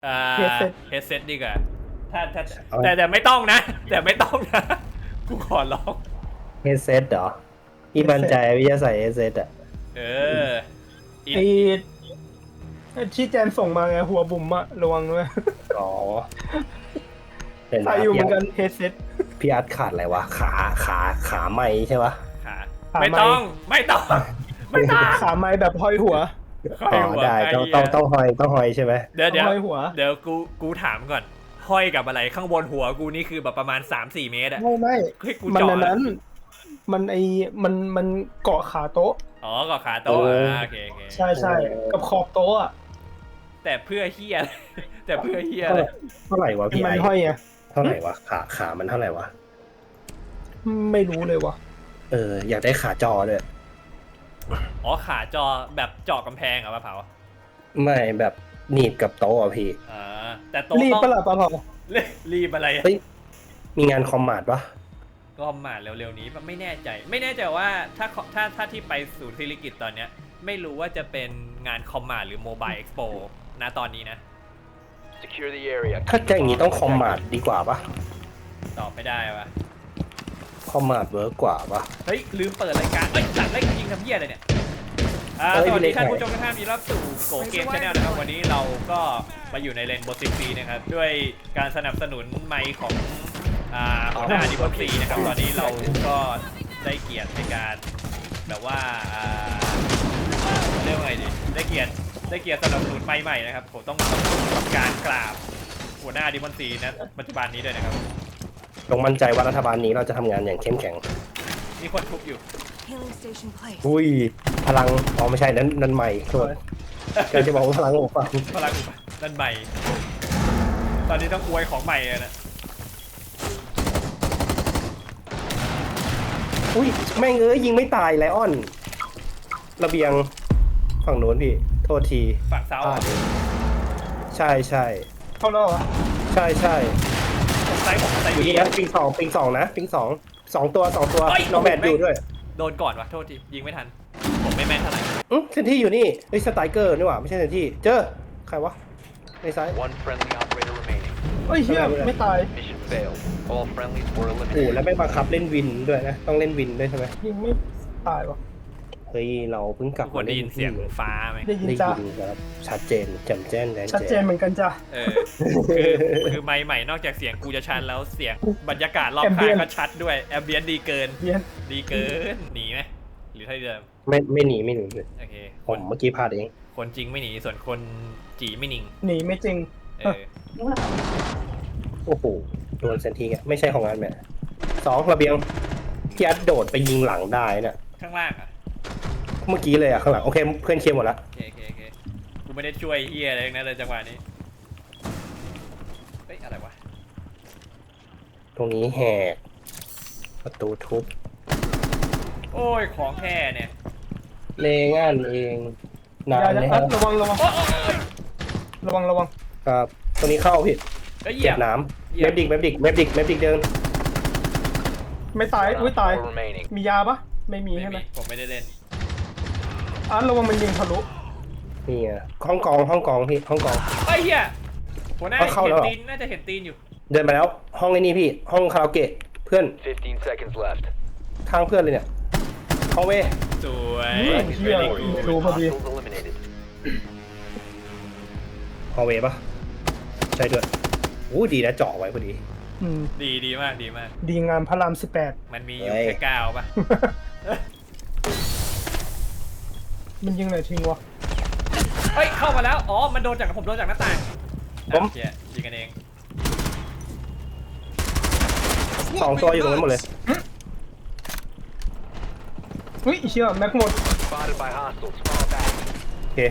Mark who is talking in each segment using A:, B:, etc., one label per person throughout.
A: เฮดเซ็ต
B: เฮดเซ็ตดีกว่าถ้าแต่ไม่ต้องนะ แต่ไม่ต้องนะกูขอร้อง
C: เฮดเซตเหรอพี่มั่นใจพี่จะใส่เฮดเซตอ่ะ
B: เออ
A: ไอ้ที่แจนส่งมาไงหัวบุ๋มอะระวังด้วย
C: อ๋อเห็น
A: ใส่อยู่เหมือนกันเฮดเซ็ต
C: พี่อาร์ตขาดอะไรวะขาไม่ใช่ปะ
B: ขา
A: ขา
B: ไม่
A: ไม้
B: ต้องไม่ต้องไม่ต้อง
A: ขาไม้แบบห้อยหัว
C: อ๋อได้ต้องหอยใช่ไหม
B: เดี๋ยว
A: ห้อยหัว
B: เดี๋ยวกูถามก่อนห้อยกับอะไรข้างบนหัวกูนี่คือแบบประมาณ 3-4 เมตรอะ
A: ไม่
B: ให้กู
A: มัน
B: เจาะ
A: อันนั้น มันเกาะขาโต๊ะ
B: อ๋อก็ขาโต๊ะโอเค
A: ใช่กับขอบโต๊ะอะ
B: แต่เพื่อเฮียอะไรแต่เพื่อเฮียอะไร
C: เท่าไหร่วะพี่
A: มั
C: ไอน
A: ห้อยไง
C: เท่าไหร่วะขามันเท่าไหร่วะ
A: ไม่รู้เลยวะ
C: อยากได้ขาจอด้วย
B: อ๋อขาจอแบบเจาะกำแพงเหรอมะเผา
C: ไม่แบบหนีบกับโต๊ะอ่ะพี่
B: แต่โต๊ะ
A: รีบ
B: ต้อง
A: ปะล่ะปะเผา
B: รีบอะไรอะ
C: เฮ้ยมีงานคอมมาดปะ
B: ก็มาเร็วๆนี้ไม่แน่ใจว่าถ้าที่ไปศูนย์ศิริกิติ์ตอนเนี้ยไม่รู้ว่าจะเป็นงานคอมมาหรือโมบายเอ็กซ์โปนะตอนนี้นะ
D: Secure the area.
C: ถ้าจะอย่างนี้ต้องคอมมาดดีกว่าปะ
B: ตอบไม่ได้วะ
C: คอมมาดเวิร์กกว่าปะ
B: เฮ้ยลืมเปิดรายการจัดรายการยิงทำเหี้ยอะไรเนี่ยสวัสดีท่านผู้ชมทุกท่านมีรับสู่โกเกมชาแนลนะครับวันนี้เราก็มาอยู่ในเลนโบสิฟีนะครับด้วยการสนับสนุนไมค์ของหัวหน้าดิบซีนะครับตอนนี้เราก็ได้เกียรติในการแบบว่าเรียกว่าไงดีได้เกียรติสนับสนุนไมค์ใหม่นะครับผมต้องทำการกราบหัวหน้าดิบซีนะปัจจุบันนี้ด้วยนะครับ
C: จงมั่นใจว่ารัฐบาลนี้เราจะทำงานอย่างเข้มแข็ง
B: มีคนทุบอยู่
E: Healing station placed.
C: อุ้ยพลังอ๋อไม่ใช่นั้นใหม่โทษกำลังจะบอกว่าพลังของฟัง
B: พลังอุปนั่นใหม่ตอนนี้ต้องอวยของใหม่เลยนะ
C: อุ้ยแม่งยิงไม่ตายไลออน ระเบียงฝั่งโน้นพี่ โทษที
B: ฝั่งเซา
C: พลาดเองใช่
A: เข้าแล้วเหรอ
C: ใช่
B: ผมไซผมไซ
C: อยู่
B: บี
C: นี่นะปิงสองนะปิงสองตัวน้องแบดอยู่ด้วย
B: โดนก่อนวะโทษทียิงไม่ทัน ผมไม่แม่นเท่าไหร่
C: เซนที่อยู่นี่เฮ้ยสไตรเกอร์นี่หว่าไม่ใช่เซนที่เจอใครวะในซ้าย
D: One friendly operator remaining.
A: เฮ้ยเฮียไม่ตาย
D: Mission failed. All friendlies were
C: โอ้
D: eliminated.
C: แล้วไม่บังคับเล่นวินด้วยนะต้องเล่นวินด้วยใช่ไหม
A: ยิงไม่ตายวะ
C: เฮ้ยเราเพิ่งกลับ
B: ทุกคนได้ยินเสียงฟ้าไหม
A: ได้ยิน
C: ได้
A: จ้ะ
C: ยินครับชัดเจนแจ่มแจ้งแดน
A: ชัดเจนเหมือนกันจ้ะ
B: คือไมค์ใหม่นอกจากเสียงกูจะชัดแล้วเสียงบรรยากาศรอบข้าง
A: Ambient
B: ก็ชัดด้วยแอมเบียนดีเกิน
A: เฮีย
B: ดีเกินหนีไหมหรือเท่าเดิม
C: ไม่หนีเลย
B: โอเค
C: ผมเมื่อกี้พลาดเอง
B: คนจริงไม่หนีส่วนคนจีไม่นิ่ง
A: หนีไม่จริง
C: โอ้โหโดนเซนทีไงไม่ใช่ของงานแม่สองระเบียงพี่อัดโดดไปยิงหลังได้เนี่ย
B: ข้างล่างอ่ะ
C: เมื่อกี้เลยอะข้างหลังโอเคเพื่อนเคลียร์หมดละ
B: โอเคกูไม่ได้ช่วยเฮียอะไรทั้งนั้นเลยจังหวะนี้เฮ้ยอะไรวะ
C: ตรงนี้แหกประตูทุบ
B: โอ้ยของแท้เนี่ย
C: เลงานเองนาน
A: อย่า
C: เลย
A: อั
C: ฮะ
A: ดระวังระวัง
B: โอ้ย
A: ระวัง
C: ครับตรงนี้เข้าผิด
B: ก็เหยี
C: เจ็
B: ย
C: บบ น้
B: เหยี
C: ำ
B: ย
C: เม
B: บ
C: ฟดิกเดิน
A: ไม่ตาย
D: One
A: อุ้ย
D: op
A: ตาย
D: four remaining.
A: มียาปะไม่มี
B: ไม่
A: ใช่ไหม
B: มีผมไม่ได้เล่น
A: อัดระวังมันยิงทะลุ
C: นี่อะห้องกองพี่ห้องกอง
B: เฮ้ยเฮียหัวหน้า
C: เข้า
B: เห็
C: แล้ว
B: น
C: เหรอ
B: ตีนน่าจะเห็นตีนอยู่
C: เดินไปแล้วห้องไอ้นี่พี่ห้องคาราโอเกะเพื่อน
D: 15 seconds left.
C: ข้างเพื่อนเลยเนี่ยห้องเว
B: สวย
A: เฮีย
B: very good
A: ดูพอดี
D: Hostiles eliminated.
C: ห้องเวปะใช่ด้วยโอ้ดีนะเจาะไว้พอดี
A: อืม
B: ดีมาก
A: ดีงามพระราม
B: มันมีอยู่
C: เฮ้ย
B: แค่9ป่ะ
A: 18มันยิงไหนทิ้งวะ
B: เฮ้ยเข้ามาแล้วอ๋อมันโดนจากผมโดนจากหน้าต่าง
C: ผม
B: เฮียยิงกันเอง
C: สองตัวอยู่ตรงนั้นหมดเลย
A: เฮ้ยเชี่ยแม็กหมด
D: Spotted by hostiles. Fall back.
C: โอเค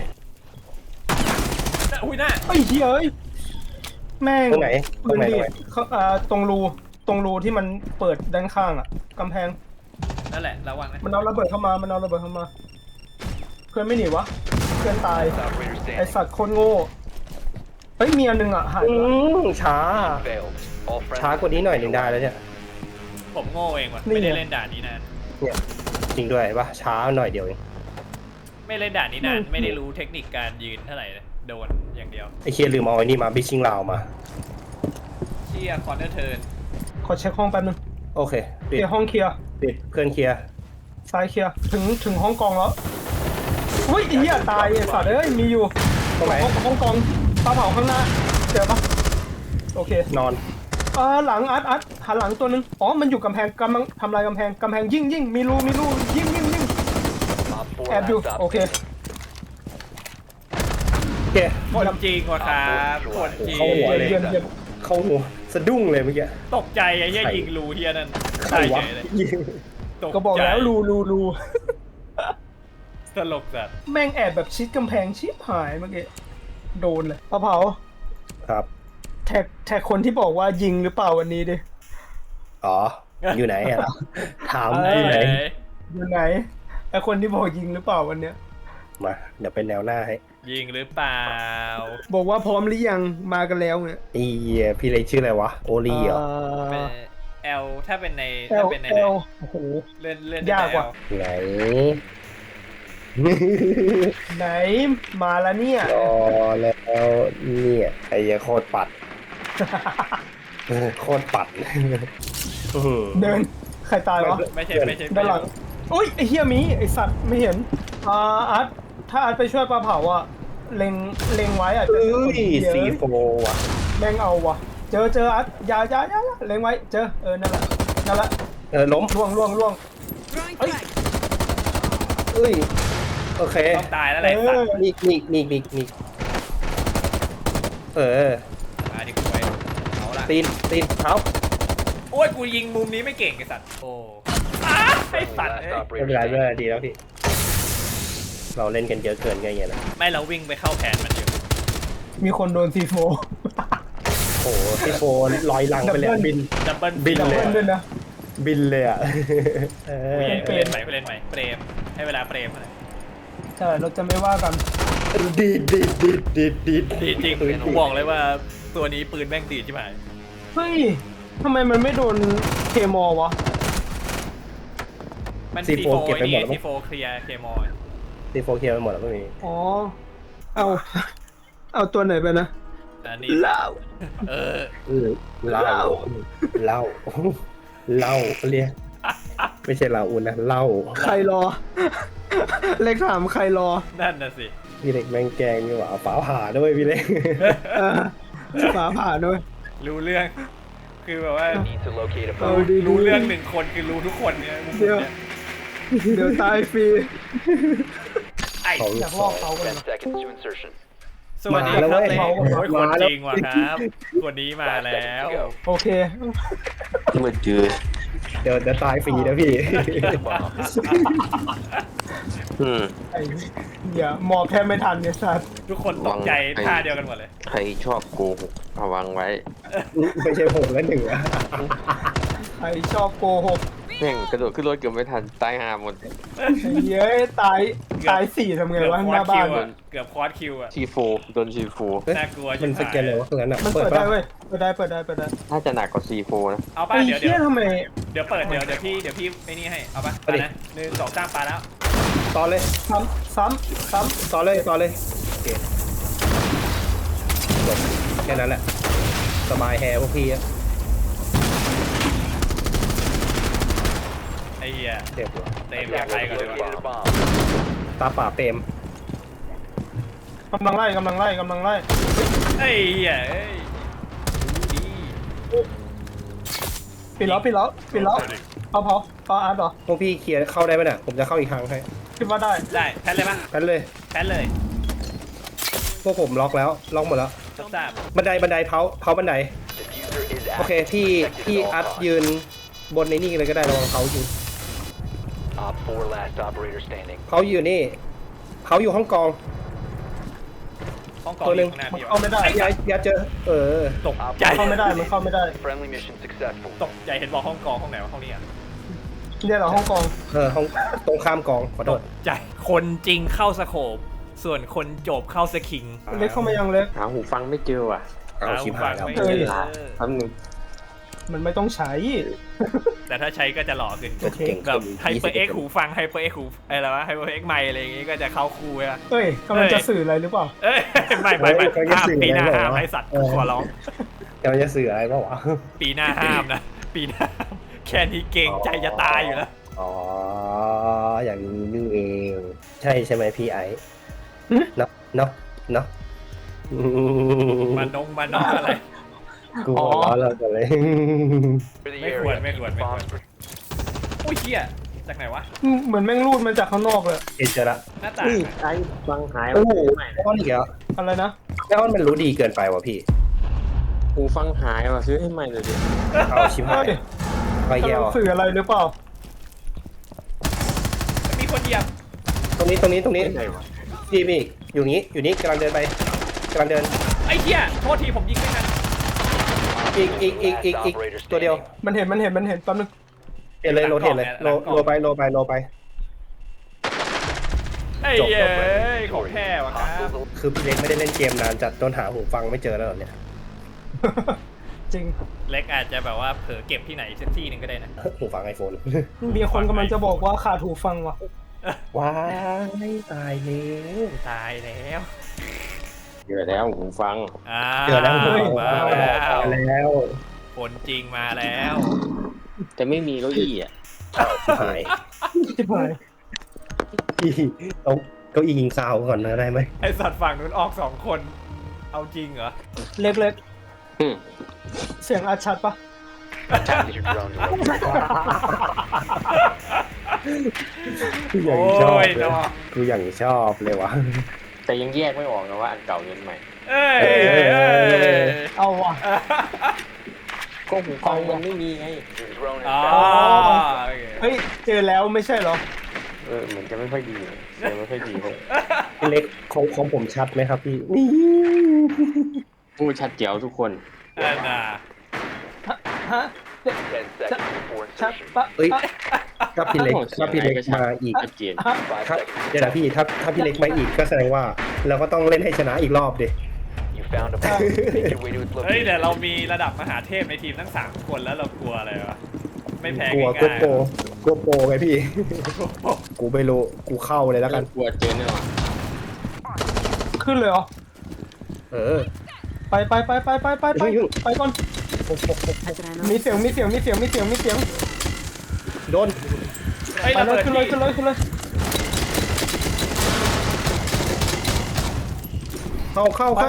B: อุ้ยหน้า
A: เฮ้ยเชี่ยเอ้ยแม่ง
C: ตรงไหน
A: ปืนดิเขาตรงรูที่มันเปิดด้านข้างอ่ะกำแพง
B: นั่นแหละระวังนะ
A: มันเอาระเบิดเข้ามาเพื่อนไม่หนีวะเพื่อนตาย
D: Operator
A: ไอ
D: standing.
A: สัตว์โคตรโง่เฮ้ยมีอันหนึ่งอ่ะหายไปละ
C: ช้า
D: Failed. All
C: ช้าก
D: friendlies.
C: ว่านี้หน่อยหนึ่งได้แล้วเนี่ย
B: ผมโง่เองว่ะ
A: นี่ไง
B: ไม่ได้เล่นด่านนี้นาน
C: เนี่ยจริงด้วยปะช้าหน่อยเดียวเอง
B: ไม่เล่นด่านนี้นานไม่ได้รู้เทคนิคการยืนเท่าไหร่เลยโดนอย่างอย่างเดียว
C: ไอเคียลืมเอาไอ้นี่มาบิชชิ่งลาวมา
B: เชี่ยคอนเนอร์เทิร์น
A: ขอเช็คห้องแป๊บนึง
C: โอเค
A: เค
C: ปิด
A: ลียร์ห้องเคลียร์
C: ปิดเพื่อนเคลียร์
A: ซ้ายเคลียร์ถึงห้องกองแล้วอุ้ยไอ้เหี้ยตายไอ้สัตว์เอ้ยมีอยู่
C: ตรงไหน
A: ห้องกองปลาเผาข้างหน้าเจอปะโอเคน
C: อน
A: หลังอัดหันหลังตัวหนึงอ๋อมันอยู่กำแพงกำลังทำลายกำแพงยิงมีรูยิง
D: Op 4
A: แอบอยู่
D: last stop
A: โอเค
C: โอเค
B: คนจริงว่ะครับคนจริง
C: เข้าหัวเลย
A: เยี่ยม
C: เข้าหัวสะดุ้งเลยเมื่อกี้
B: ตกใจไอ้เหี้ยยิงรูเฮียนั่น
C: ใคร
B: ตายว
C: ะ
B: เฉยเลย
C: ยิง
B: ตกใจ
A: ก็บอกแล้วรู
B: ตลกจัด
A: แม่งแอบแบบชิดกำแพงชิบหายเมื่อกี้โดนเลยปลาเผา
C: ครับ
A: แท็กคนที่บอกว่ายิงหรือเปล่าวันนี้ดิ
C: อ๋อ อยู่ไหนอ่ะ ถาม
A: เอ้
C: อยู่ไหน
A: อยู่ไหนไอคนที่บอกยิงหรือเปล่าวันเนี้ย
C: มา เดี๋ยวเป็นแนวหน้าให้
B: ยิงหรือเปล่า
A: บอกว่าพร้อมหรือยังมากันแล้วเนี่ย
C: อีพี่เล็กชื่ออะไรวะ โอลีเหรอ
B: เป็นแอลถ้าเป็นใน
A: เอ
B: ถ้า
A: ล
B: เป็นใน
A: เอลโอ้โห
B: เล่นเล่น
A: ยากว่ะ
C: ไหน
A: ไหนมาแล้วเนี่ย
C: รอแล้วเนี่ยไอ้เหี้ยโคตรปัด โคตรปัด
A: เดินใครตายวะ
B: ไม่ใช่ไม่ใช่
A: ด้านหลังอุ้ยไอเฮียมีไอสัตว์ไม่เห็นอาร์ตถ้าอาร์ตไปช่วยปลาเผาอะเล็งไว้อะจะ
C: เอ้ย
A: เดี๋ยว
C: ซีโฟว่ะ
A: แม่งเอาว่ะเจออาร์ตอย่าเล็งไว้เจอนั่นแหละ
C: ล้ม
A: ล่วงเอ้ย
C: เอ้ย โอเค
B: ต้องตายแล้วแหละสัตว์
C: นี่เออ
B: มาดิกูไปเอาละ
C: ตีนเท้า
B: โอ้ยกูยิงมุมนี้ไม่เก่งไอ้สัตว์โอ้อ้าไอ้สัตว์
D: Last
B: เอ้ย
C: ไม่เป็นไร
D: operator
C: ไม่เป็นไร
D: standing.
C: ดีแล้วพี่ เราเล่นกันเยอะเกินไงเงี้ยนะ
B: ไม่เราวิ่งไปเข้าแผนมันอยู่
A: มีคนโดนซีโฟ
C: โอ้โหซีโฟลอยหลังไปเลยบิน
B: ดับเบิล
C: บิน
A: ดับ
C: เลย
A: เบิลด้วยนะ
C: บินเลยอ่ะเออ
B: ไปเล่นใหม่ไปเล่นใหม่เปรมให้เวลาเปรมหน่อย
A: ใช่เราจะไม่ว่ากัน
C: ดีด
B: ดีจริงกูบอกเลยว่าตัวนี้ปืนแม่งดีใช่ไหม
A: เฮ้ยทำไมมันไม่โดนเคมอวะ
B: มัน
C: ซีโฟเก็บไปหมดแล้วมั้
B: ซี
C: ง
B: โฟเคลียร์เคมอล
C: ซีโฟเคลียร์ไปหมดแล้วไม่มี
A: อ๋อเอาตัวไหนไปนะ
B: อันนี้
A: เหล้า
B: เออ
C: เหล้าเรียกไม่ใช่เหล้าอุ่นนะเหล้า
A: ใครรอ เลขถามใครรอ
B: นั่นน่ะสิ
C: พี่เล็กแม่งแกงนี่หว่าฝาผ่าด้วยพี่เล็ก
A: ฟ้าผ่าด้วย
B: รู้เรื่อง คือแบบว่า
D: Need to locate a
A: เอา
D: bomb.
A: ดี
B: รู้เรื่องหนึ่งคนคือรู้ทุกคนเนี่ยมุม
A: เดี๋ยว
B: เนี่ย
A: เดี๋ยวตายฟรี
B: ไอ้
A: อยากลอกเขากัน
D: 10 seconds to insertion.
B: สวัสดี
C: มาแล้
B: คว รับ
C: เว้ย
B: เล็กโอ้ยคน
C: มาแล้ว
B: จริงว่ะครับคนนี้มาแล้ว
A: โอเค
E: มืดจืด
C: เดี๋ยวตายฟรีนะพี่
A: ไอ้อย่าหมอบแทบไม่ทันเนี่ยสัตว์
B: ทุกคนตกใจท่าเดียวกันหมดเลย
E: ใครชอบโกหกระวังไว้
C: ไม่ใช่ผมแล้วหนึ่งอะ
A: ใครชอบโกหก
E: แม่งกระโดดขึ้นรถเกือบไม่ทันตายหาหมด
A: ไอ้เย้ยตายสี่ทำไง
B: เกือบ
A: วะ
B: ค
A: ห
B: อร์
A: น้า
B: ส
A: บ้า
B: คิ
A: น
B: วอ่ะเกือบคอร์สคิวอ่ะ
E: ทีโฟโดนทีโฟ
B: น่ากลัว
C: มั
B: ชิ
C: น
B: บ
C: ส
B: หาย
C: แกนเลยวะตรงนั้นอะ
A: มันเปิดได้
C: ปะ
A: เว้ยเปิดได้
E: น่าจะหนักกว่าซีโฟนะ
B: เอาป่ะ
A: ไอ้
B: เดี๋ยว
A: เหี้ยทำไม
B: เดี๋ยวเปิดเดี๋ยวพี่ไอ้นี่ให้เอาป่ะเอานะ1 2 3ปาแล้ว
C: ต่อเลย
A: ซ้ำ
C: ต่อเลยโอเคจบแค่นั้นแหละสบายแฮร์พวกพี่อะ
B: ไอ้เหี้ย
C: เจ็บว่ะ
B: เต็มอยากไปก่อนเลย
D: Located a
B: ว่ะ
D: bomb.
C: ตาป่าเต็ม
A: กำลังไล่
B: ไอ้เหี้ยเอ้ยดี
A: ปิดแล้วเอาอาร์ตเหรอ
C: พวกพี่เคลียร์เข้าได้ไหมเนี่ยผมจะเข้าอีกทางให้
A: คิดว่าได้
B: ได้แพนเลยป่ะ
C: กันเลย
B: แพนเลย
C: พวกผมล็อกหมดแล้ว
B: ทราบ
C: บันไดเผาบันได
D: Diffuser is
C: โอเค
D: active.
C: พี่
D: Protected at
C: อัด
D: all costs.
C: ยืนบนในนี่เลยก็ได้ระวังเขาอยู่
D: Op 4 last operator standing.
C: เขาอยู่นี่เขาอยู่ห้องกอง
B: ห้องกอง
C: ตัวหนึ่ง
B: ข้างหน้า
A: มัน
B: พี่
A: เข้าไม่ได้
C: อย่าเจอ
B: ตก
D: Op
B: ใจ
A: เข้าไม่ได้
D: Friendly mission successful.
B: ตกใจเห็นบอกห้องกองห้องไหนวะห้องนี้อ่ะ
A: เนี่ยเหรอห้องกอง
C: ห้องตรงข้ามกองขอโทษ
B: ใจคนจริงเข้าสโคปส่วนคนจบเข้าสคิง
A: เล็กเข้ามายังเล็ก
E: หาหูฟังไม่เจอว่ะ
C: เอาชิบหายแล้ว
B: ไม่
A: เออ
B: เจอ
E: แป๊บนึง
A: มันไม่ต้องใช้
B: แต่ถ้าใช้ก็จะหล่อขึ้น
C: ก็เก่ง
B: แบบ
C: ขึ้น
B: ไฮเปอร์เอ็กหูฟังไฮเปอร์เอ็กหูอะไรวะไฮเปอร์เอ็กไมค์อะไรอย่างงี้ก็จะเข้าคู่อะ
A: เอ้ยกำลังจะสื่ออะไรหรือเปล่า
B: เอ้ยไม่ห้ามปีหน้าห้ามไอสัตว์ขอร้อง
C: กำลังจะสื่ออะไรเปล่าวะ
B: ปีหน้าห้ามนะ ปีหน้าห้ามแค่นี้เก่งใจจะตายอยู่แล้ว
C: อ๋ออย่างนี้นี่เอง ใช่ไหมพี่ไอ้เนาะเนาะเนาะ
B: มานงอะไร
C: กูหัวเร้อนแล้วกันเลย
D: For the
B: Make
D: area,
B: one, make one, make
D: bombs
B: one. อุ้ยเชี่ยจากไหนวะ
A: เหมือนแม่งรูดมาจากข้างนอกเลย
C: เจอละ
B: หน้าต่าง
E: นี่
B: อะ
E: ไอ้ฟังหาย
C: โอ้โหแม่อ้อนอีกแล้ว
A: อะไรนะ
C: แม่อ้อนมันรู้ดีเกินไปว่ะพี่
E: หูฟังหายว่ะซื้อให้ใหม่เลยดิ
C: เอาชิบหาย
A: เฮ้ย
C: ไป
A: กำ
C: แก้
A: ลั
C: ว
A: งสื่ออะไรหรือเปล่า
B: มีคนเหยียบ
C: ตรงนี้
E: ไหนวะ
C: พี่อยู่นี้กำลังเดินไปกำลังเดิน
B: ไอ้เหี้ยโทษทีผมยิงไม่ทัน
C: อีกตัวเดียว
A: มันเห็นแป๊บนึง
C: เห็นเลยโรเทนเลยโลไป
B: ไอ้
C: จบ
B: เหี้ย
C: จบ
B: ของแท้วะครับ
C: คือพี่เล็กไม่ได้เล่นเกมนานจัดจนหาหูฟังไม่เจอแล้วเหรอเนี่ย
A: จริง
B: เล็กอาจจะแบบว่าเผลอเก็บที่ไหนสักที่หนึ่งก็ได้นะ
C: หูฟังไอโฟน
A: มีคนกำลังจะบอกว่าขาดหูฟังว่ะ
C: ว้ายตายแล้ว
B: ตายแล้ว
E: เจอแล้วหูฟัง
C: เจอแล้ว
B: มาแล้ว
C: แล้ว
B: คนจริงมาแล้ว
E: แต่ไม่มีเก้าอี้อ่ะ
C: หาย
A: ชิบหาย
C: พี่เอาเก้าอี้ยิงซาวก่อนนะได้ไหม
B: ไอสัตว์ฝั่งนู้นออก2 คน เอาจริงเหรอ
A: เล็ก
E: อืม
A: ๆ เสียงอาชัดปะ
D: Use your drone to locate
C: กูอย่าง
B: โอ้
C: ชอบ
B: ย
C: เลย
B: เนาะ
C: กูอย่างชอบเลยวะ
E: แต่ยังแยกไม่ออกนะว่าอันเก่ายันใหม่
B: เอ้ย
A: เอาว่ะ
E: ก็หูฟังมันไม่มีไง
D: your drone
B: อ๋อ
D: has
B: โอเค
A: เฮ้ยเจอแล้วไม่ใช่เหรอ
E: เหมือนจะไม่ค่อยดีเสียงไม่ค่อยดีเลย
C: พี่เล็กของผมชัดไหมครับพี่นี่
E: พูดชัดเจ๋วทุกคน
B: อันน่ะ
A: ฮะ
D: 10 seconds before
A: ชัด
D: insertion.
A: ปะ
C: เอ้ย
A: อ่ะ
C: ถ้าพี่เล็กมาอีก
E: ชัดเจน
D: 5
C: ครับ
D: seconds.
C: เดี๋ยวนะพี่ถ้าพี่เล็กมาอีกก็แสดงว่าเราก็ต้องเล่นให้ชนะอีกรอบดิ
D: You found a bomb. Make your way to its
B: เฮ้ย
D: location.
B: แต่เรามีระดับมหาเทพในทีมทั้ง3 คนแล้วเรากลัวอะไรวะ ไม่แพ้
C: กลัว
B: ง่าย
C: กลัวโปรไงพี่ กูไม่รู้กูเข้าเลยแล้วกัน
E: กลัวเจอแน่นอน
A: ขึ้นเลยเหรอ
C: เออ
A: ไปก่อน มีเสียง
C: โดน
B: เฮ้ย
A: ไป
B: ระ
A: เล
B: เบิ
A: ย
B: ด
A: ขึ้นเลย
C: เข้า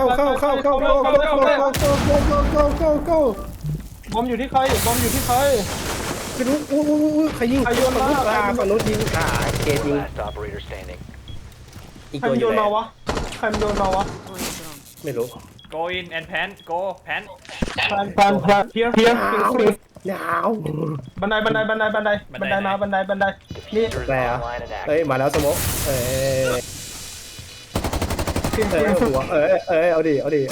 A: บอมอยู่ที่ใคร
C: คือรู้ใครยิง
A: ใครโยนมา
C: ฝั่งนู้นยิงเกตยิง
D: Last operator standing.
C: อีก
A: ใคร
C: ตัว
A: มัน
C: อ
A: โย
C: ยู่
A: น
C: ไหน
A: มาวะ
C: ไม่รู้
B: โกอินแอนแพนโกแพน
A: แพนเพียร์
C: ยาว
A: บันไดมาบันไดนี่
D: Diffuser is
C: แต่
D: online and
C: เอ้ย
D: active.
C: มาแล้วสมก
A: เสียง
C: หัวเอาดิ
D: Op 4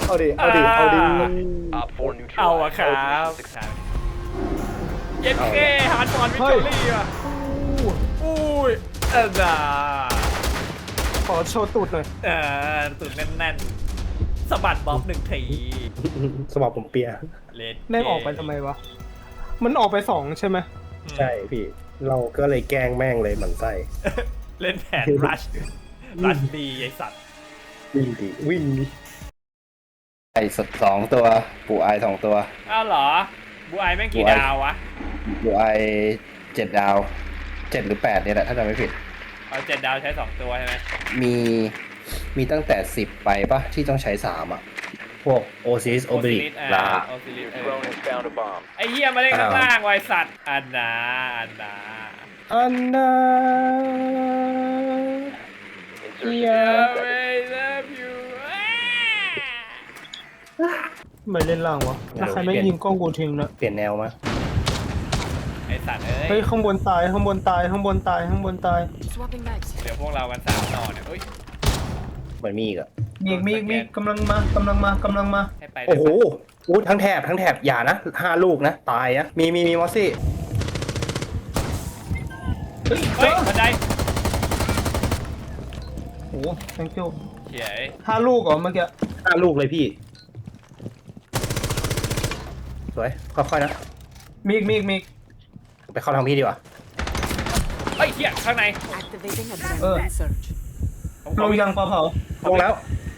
B: เอาอะ
D: neutralized.
B: ครับ
D: Mission successful.
B: เย็นเคฮาร์ดฟอนวิกตอรี่อ่ะอุ้ยอันน่ะ
A: ขอโชว์ตูดหน่อย
B: ตุ่นแน่นๆสะบัดบ๊อบ1 ที
C: สมองผมเปีย
B: เลด
A: แม่งออกไปทำไมวะ มันออกไป2ใช่ไหม
C: ใช่พี่ เราก็เลยแกล้งแม่งเลยหมันไส้
B: เล่นแผนรัชดีไอสัตว์
C: วิ่งดิไอ้ส2ตัวปูไอ2ตัว
B: อ้าวเหรอบูไอแม่งกี่
C: บูไอ
B: ดาววะ
C: ปูไอ7 ดาว 7 หรือ 8เนี่ยแหละถ้าจำไม่ผิด
B: เอา7 ดาวใช้2 ตัวใช่ไหม
C: มีตั้งแต่10ไปปะที่ต้องใช้3อ่ะ พวกโอซิสโอเบริกลา
B: โอซิลิส
D: Your drone has found a bomb.
B: ไอเหี้ยมาเล่นข้างล่างไวะไอ้สัตว์อันนา
C: อันนา
D: Insertion
C: Yeah.
D: in 10 seconds.
B: I love you
A: ไม่เล่นล่างวะแล้วใครไม่ยิงกล้องกูทิ้งนะ
C: เปลี่ยนแนวมา
B: ไอสัตว์เอ้
A: เฮ้ย
B: ย
A: ข้างบนตาย
F: Swapping mags.
B: เดี๋ยวพวกเรากัน3 ต่อเนี่ยเฮ้ย
C: มันมีอีกอ่ะ
A: มีกำลังมา
B: ให้ไป
C: โอ้โหอู้ทั้งแถบอย่านะ5 ลูกนะ ตายนะ มีมอสซี่
A: เฮ้ย
B: เฮ้ยบันได
A: โอ้ thank you
B: เขียย
A: 5 ลูกเหรอเมื่อกี้
C: 5 ลูกเลยพี่ รวยค่อยๆนะ
A: มีอีกมีอีกมีอีก
C: ไปเข้าทางพี่ดีกว่า
B: เฮ้ยเฮียข้างใน
F: Activating adrenaline surge.
B: ผมข
A: ล
B: อง
A: ยังปลาเผา
C: ลงแล้ว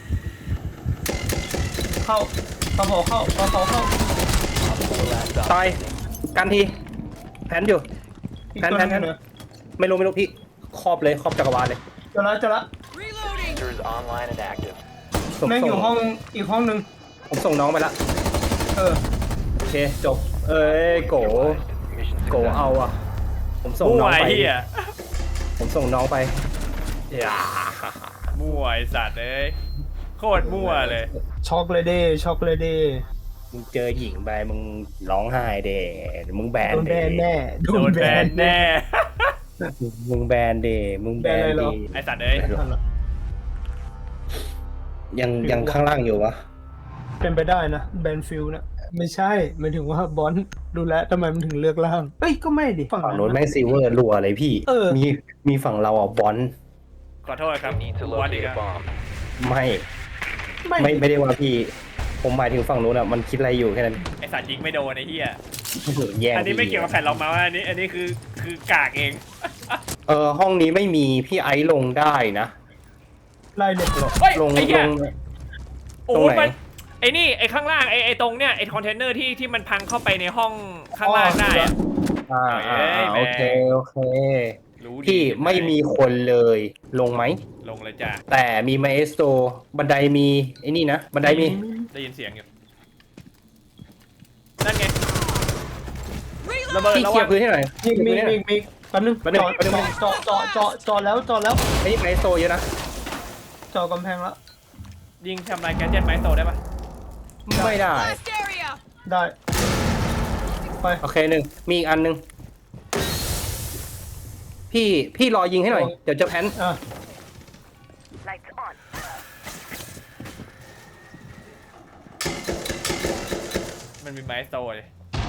A: เข้าปลาเผาเข้าปลาเผาเข้า
C: ตายกันทีแผนอยู่
A: อีก
C: แพน
A: ตัว
C: แพ
A: นึ
C: น
A: ง
C: แพน
A: เหรอ
C: ไม่รู้พี่ครอบเลยครอบจักรวาลเลย
A: เจอละเจอละ
D: User is online and active.
C: ส่ง
A: แม่งอยู่
C: ส่ง
A: ห้องอีกห้องนึง
C: ผมส่งน้องไปละ
A: เออ
C: โอเคจบเอ้ยโก
D: Mission
C: โก
D: success.
C: เอาอ่ะผมส่ง
B: มั่
C: น้
B: ว
C: อง
B: ไอ้
C: ไป
B: เฮีย
C: ผมส่งน้องไปอย่า
B: มั่วไอ้สัตว์เอ้ยโคตรมั่วเลย
A: ช็อกเลยเด้ช็อกเลยเด้
C: มึงเจอหญิงไปมึงร้องไห้เดมึงแบน
A: โดน
C: เด
A: แบนแน่
B: โดนแบนแน่
C: มึงแบนเดมึงแบน
A: แบนอะไรเหร
C: ดี
A: อ
B: ไอ้สัตว์เอ้ย
A: นั่นแหละ
C: ยังข้างล่างอยู่วะ
A: เป็นไปได้นะแบนฟิลนะไม่ใช่หมายถึงว่าบอลดูแลทำไมมันถึงเลือกล่างเอ้ยก็ไม่ดิฝั่ง
C: ฝั่ง
A: นั้น
C: โน้น
A: นะ
C: แม่งซีเวอร์รัวเลยพี่
A: เออ
C: มีฝั่งเราอ่ะบอล
B: ขอโทษครับ
D: You need to
B: วันอีก
D: locate
B: แล้ว
D: a bomb.
C: ไม่
A: ไม่
C: ไม่ได้ว่าพี่ ผมหมายถึงฝั่งนู้นอ่ะมันคิดอะไรอยู่แค่นั้น
B: ไอ้สัตว์ยิงไม่โดนไอ้เฮีย
C: แย่ง
B: อันนี้ไม่เกี่ยวกับแผ่นรองเมาส์อันนี้คือกากเอง
C: ห้องนี้ไม่มีพี่ไอซ์ลงได้นะ
A: ไล่เลย
B: เฮ้ย
C: ลง
B: ไอ้เหี้
C: ล
B: ย
C: ง
B: โอ้
C: ตรงไหน
B: มันไอ้นี่ไอ้ข้างล่างไอ้ตรงเนี้ยไอ้คอนเทนเนอร์ที่มันพังเข้าไปในห้องข้างล่างได้อะ เอ้ยแม่
C: โอเคโอเค
B: รู้ดี
C: พี่ไม่มีคนเลยลงไหม
B: ลงเลยจ้ะ
C: แต่มีไมเอสโตบันไดมีไอ้นี่นะบันไดมี
B: ได้ยินเสียงอยู่นั่นไงระเบิด
C: พี่
B: ระ
C: เคลี
B: วั
C: ย
B: ง
C: ร์พื้นให้หน่อย
A: มีแป๊บนึง
C: แป๊บนึง
A: จอแล้วจอแล้ว
C: ไอ้นี่ไมเอสโตเยอะนะ
A: จอกำแพงแล้ว
B: ยิงทำลายแกนเจ็ตไม้โตได้ปะ
C: ไม่ได้
A: ได้ ไป
C: โอเคหนึ่งมีอีกอันหนึ่งพี่รอยิงให้หน่อย เดี๋ยวจะแพน
A: อ่ะ
B: มันมีไม้โตเลย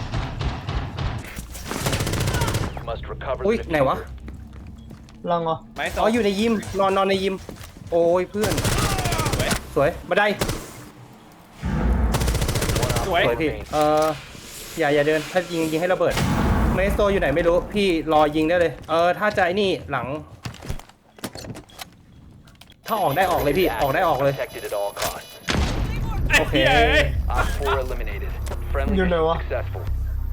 D: Must recover
C: อุ้ย
D: the
C: ไหนวะ
D: diffuser.
A: ลังเหรอ
B: ไม้โต
C: อ๋ออยู่ในยิมนอนในยิม โอ้ยเพื่อน
B: สวย
C: สวยบันได
B: สวย
C: สวยพี่อย่าเดินถ้ายิงให้ระเบิดไมเอสโตอยู่ไหนไม่รู้พี่รอยิงได้เลยถ้าจะไอ้นี่หลัง ถ้าออกได้ออกเลยพี่ออกได้ออกเลย
D: Protected at all costs.
B: ไอ้
C: โอเค
B: เหี้ยเอ้ย
D: Op 4 eliminated. Friendly
A: You know
D: mission
A: what?
D: successful.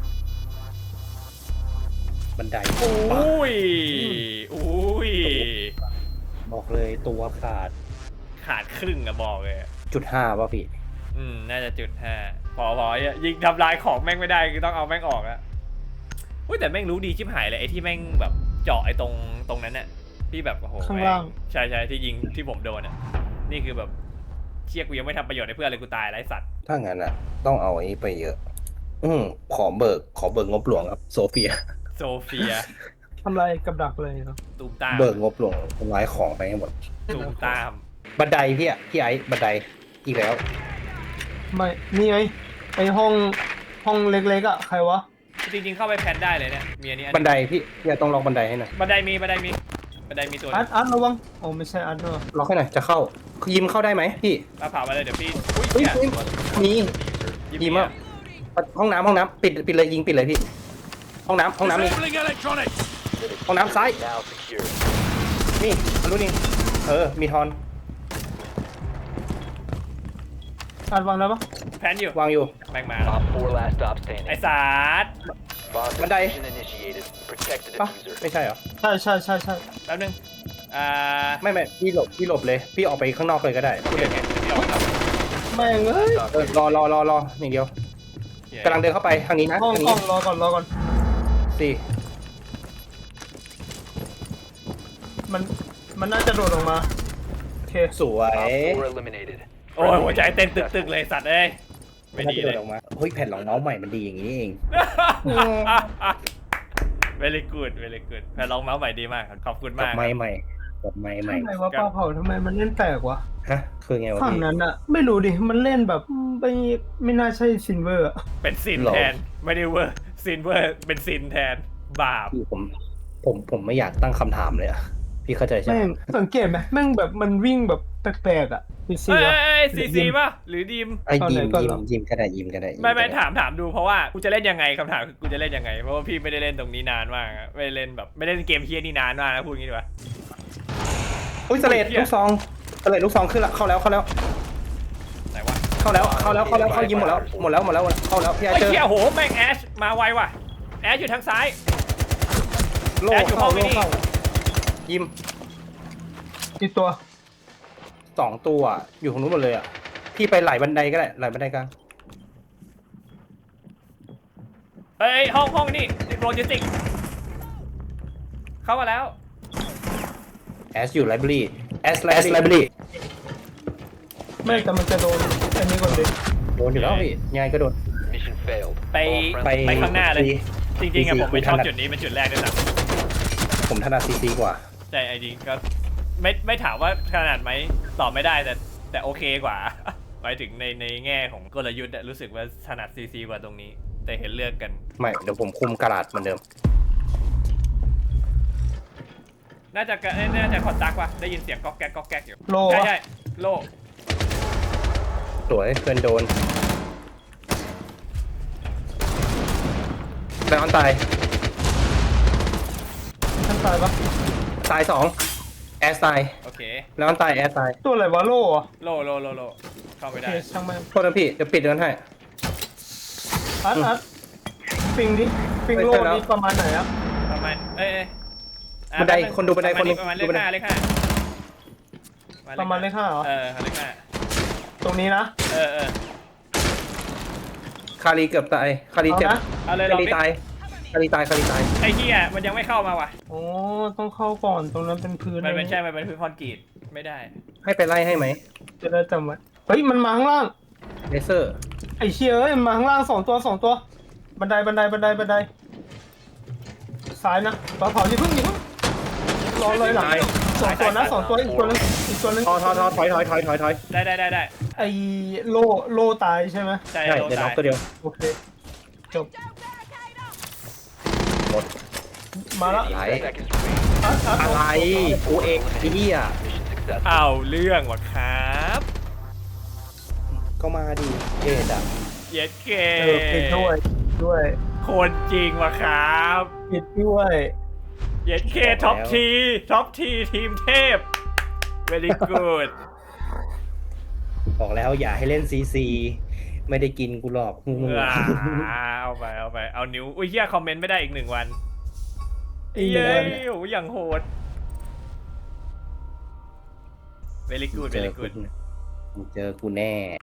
C: บันได
B: อุ้ยอุ้ย
C: บอกเลยตัวขาด
B: ขาดครึ่งอะบอกเลย
C: 0.5ป่ะพี่
B: น่าจะจุดห้าพอยิงทำลายของแม่งไม่ได้คือต้องเอาแม่งออกอะอุ้ยแต่แม่งรู้ดีชิบหายเลยไอ้ที่แม่งแบบเจาะไอ้ตรงนั้นน่ะที่แบบโอ้โห
A: ข้างล่าง
B: ใช่ที่ยิงที่ผมโดนอะนี่คือแบบเชี่ยกูยังไม่ทำประโยชน์ให้เพื่อนเลยกูตายไร้สัตว์
C: ถ้างั้นอ่ะ ต้องเอาไอ้ไปเยอะ ขอเบิกงบหลวงครับ โซเฟีย
B: โซเฟีย
A: ทำลายกับดักเลยเหรอ
B: ตูมตาม
C: เบิกงบหลวงทำลายของไปให้หมด
B: ตูมตาม
C: บันไดพี่ไอ้บันไดอีกแล้ว
A: ไม่นี่ไงไอห้องเล็กๆอ่ะใครวะ
B: จริงๆเข้าไปแพนได้เลยเนี่ยมีอันนี้อัน
C: บันไดพี่อย่าต้องลองบันไดให้หน่อย
B: บันไดมีตัวห
A: อา
B: นึ
A: ร์ต
B: ง
A: อาร์ตระวังโอ้ไม่ใช่อาร์ตด้วย
C: ล็อกให้หน่อยจะเข้ายิมเข้าได้ไหมพี่
B: มาเผามาเลยเดี๋ยวพี่อุ้ย
C: เฮ้ย
B: เหี้ย
C: มี ยิมอ่ะห้องน้ำปิดเลยยิงปิดเลยพี่ ห้องน้ำมีห้องน้ำซ้าย
D: Now secure.
C: นี่อันนู้นนี่มีทอน
A: อาร์ตวางได้ปะ
B: แพนอยู่
C: วางอยู่
B: แม่งมา
D: Op 4 last stop
B: ไอ้
D: standing.
B: สาด
D: Bomb
C: Bandai.
D: diffusion initiated. Protect the
C: ปะ
D: diffuser.
C: ไม่ใช่เหรอ
A: ใช่
B: แป๊บนึง
C: ไม่พี่หลบเลย พี่ออกไปข้างนอกเลยก็ได้พูดเลย
B: พี่ออกครับ
A: แม่งเอ้ย
C: รออย่างเดียวกำลังเดินเข้าไปทางนี้นะ
A: ห้อง
C: ทาง
A: ห้
C: นี้
A: องรอก่อน
C: สี่
A: มันน่าจะโดดออกมาโอเค
C: สวย
D: Op 4 eliminated.
B: โอ้ยหัวใจเต้นตึกๆเลยสัตว์เอ้ยไม่ดี
C: น่าจะ
B: เลย
C: โดดออกมาเฮ้ยแผ่นรองเมาส์ใหม่มันดีอย่างนี้นี่เอง
B: very good แผ่นรองเมาส์ใหม่ดีมากครับขอบคุณ
C: กับ
B: มาก
C: ไม้ใหม่กับไม้ใหม่
A: ทำไมวะปลาเผาทำไมมันเล่นแปลกวะ
C: ฮะคือไงวะ
A: ฝั่ง
C: พี่
A: นั้นอะไม่รู้ดิมันเล่นแบบไม่น่าใช่ซินเวอร์อะ
B: เป็นซิน
C: หรอ
B: แทนไม่ได้เวอร์ซินเวอร์เป็นซินแทนบาป
C: พี่ผมไม่อยากตั้งคำถามเลยอะพี่เข้าใจใช่ไหม
A: แม่งสังเกตไหมแม่งแบบมันวิ่งแบบแปลกๆอ่ะพีซี
B: ซีซีป่ะหรือดีม
C: ไอ้
A: ตอนไหน
C: ยิม
A: ก่อน
C: ยิ
A: เหร
C: ม
A: อ
C: ยิมก็ได้ยิมก็ได้
B: ไม่ถามดูเพราะว่ากูจะเล่นยังไงคำถามคือกูจะเล่นยังไงเพราะว่าพี่ไม่ได้เล่นตรงนี้นานมากอะไม่ได้เล่นแบบไม่ได้เล่นเกมเฮียนี่นานมากนะพูดงี้ดีกว่า
C: อุ้ยสเลดลูกซองสเลดลูกซองขึ้นละเข้าแล้ว
B: ไหนวะ
C: เข้ายิมหมดแล้วเข้าแล้วพี่ไอ
B: ไอ้
C: เจอ
B: เหี้ยโหแม่งแอชมาไวว่ะแอชอยู่ทางซ้าย
C: โล่
B: แอดอยู่ห้
C: เข้า
B: องนี้
C: โล่เข้ายิม
A: กี่ตัว
C: 2 ตัวอยู่ของนู้นหมดเลยอ่ะพี่ไปไหลบันไดก็ได้ไหลบันไดกลาง
B: เอ้ยห้องนี่โลจิสติกเข้ามาแล้ว
C: แอสอยู่ไลบรารีแอสไลบรารี
A: ไม่แต่มันจะโดนอันนี้ก่อนเลย
C: โดนอยู่แล้วพี่ยังไงก็โดน
D: Mission failed.
B: ไป
D: All
C: ไป
D: friendly
B: ไปข้างหน้าเลย
C: ซี
B: จริงๆอะ
C: ซี
B: ผมไม่ชอบ
C: ถนัด
B: จุดนี้เป็นจุดแรกด้วยซ้
C: ผมถนัดซีกว่า
B: ำแต่ไอ้จริงก็ไม่ถามว่าขนาดไหมตอบไม่ได้แต่โอเคกว่า หมายถึงในแง่ของกลยุทธ์อะรู้สึกว่าถนัดซีกว่าตรงนี้ แต่เห็นเลือกกัน
C: ไม่เดี๋ยวผมคุมกระดาษเหมือนเดิม
B: น่าจะคอนตักว่ะได้ยินเสียงก๊อกแก๊กอยู่
A: โล
B: ใช่
A: วะ
B: ใช่โล
C: สวยเพื่อนโดนแล้วอันตาย
A: ท่านตายปะ
C: ตาย2แอสตาย
B: โอเค
C: แล้วอันตายแอสตาย
A: ตัวอะไรวะโล่เหรอ
B: โลเข้า
A: โอ
B: ไม่
A: เค
B: ได้
A: ช่างแม่ง
C: โทษนะพี่เดี๋ยวปิดเดินให้
A: อัดปิงดิปิงโล่นี่ประมาณไหนอ่ะ
B: ประมาณอ่ะ
C: บันไดคนดูบันไดคนดู
B: ประมาณเล
C: ดู
B: ข
C: บันได
B: ห้า
A: ประมาณเลข 5เหรอ
B: เลขห้า
A: ตรงนี้นะ
B: เออ
C: คารีเกือบตายคารีเจ็บ
A: เอานะ
B: เอาเลยล
C: คา
B: อง
C: รี
B: ดิ
C: ตายคารีตาย
B: ไอ้เหี้ยมันยังไม่เข้ามาว่ะ
A: โอ้ต้องเข้าก่อนตรงนั้นเป็นพื้น
B: มันเป็นใช่มันเป็นพื้นคอนกรีตไม่ได้
C: ให้ไปไล่ให้ไหม
A: จะได้จำไว้เฮ้ยมันมาข้างล่าง
C: เลเซอร์
A: ไอ้เชี่ยเอ้ยมันมาข้างล่าง2 ตัวบันไดซ้ายนะปลาเผาอย่าเพิ่งรอเลยหลัง2 ตัวนะ2 ตัวอีกตัวนึง
C: ทอถอย
B: ได้
A: ไอ้โลตายใช่ไหม
B: ใช่
C: ใช่
B: โดน
C: เดี๋ยวน็
B: ตา
C: อย กตัวเดียว
A: โอเคจบ
C: หมด
A: มาแล้ว
C: ไหล
D: seconds remaining.
A: อัด
C: อะไรกูเองไอ้เหี้ย
D: Mission successful.
B: เอาเรื่องว่ะครับ
C: ก็มาดิเกดอ่ะ
B: เย็ดเก
A: ผิดด้วย
B: คนจริงว่ะครับ
A: ผิดด้วย
B: เย็ดเคท็อปทีทีมเทพ very good
C: บอกแล้วอย่าให้เล่นซีซีไม่ได้กินกูหรอกงู
B: เอาไปเอานิ้วอุ้ยเหี้ยคอมเมนต์ไม่ได้อีก1 วัน
A: อีก
B: เย้
A: 1 วัน
B: โหอย่างโหด very good
C: เจอ
B: very
C: กู
B: good
C: เจอกูแน่